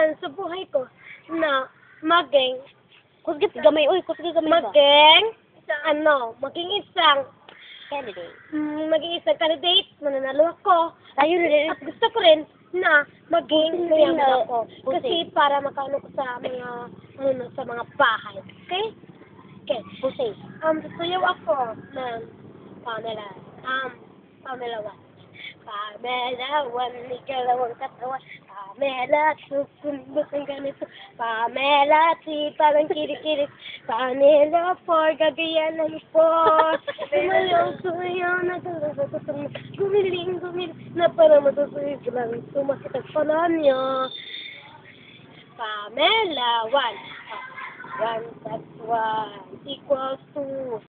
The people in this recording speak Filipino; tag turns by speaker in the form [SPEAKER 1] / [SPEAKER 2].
[SPEAKER 1] plan sa buhay ko na maging,
[SPEAKER 2] Kusgit gamay, uy, kusgit gamay ba?
[SPEAKER 1] maging isang,
[SPEAKER 2] Candidate.
[SPEAKER 1] maging isang candidate, mananalo ako.
[SPEAKER 2] Ayun,
[SPEAKER 1] At gusto ko rin na maging mayaman
[SPEAKER 2] na-
[SPEAKER 1] ako. Kasi para makaano ko sa mga, sa mga bahay. Okay? Okay.
[SPEAKER 2] Pusay.
[SPEAKER 1] Sasayaw ako ng Pamela. Pamela 1. Pamela 1, ikalawang katawan. Pamela 2, kumbus ang ganito. Pamela 3, parang kirik-kirik. Pamela 4, gagaya ng 4. Sumayaw, naglalabas. Gumiling, na para matutuloy ko lang. Sumakit ang pala niya. Pamela 1. 1 plus 1 equals 2.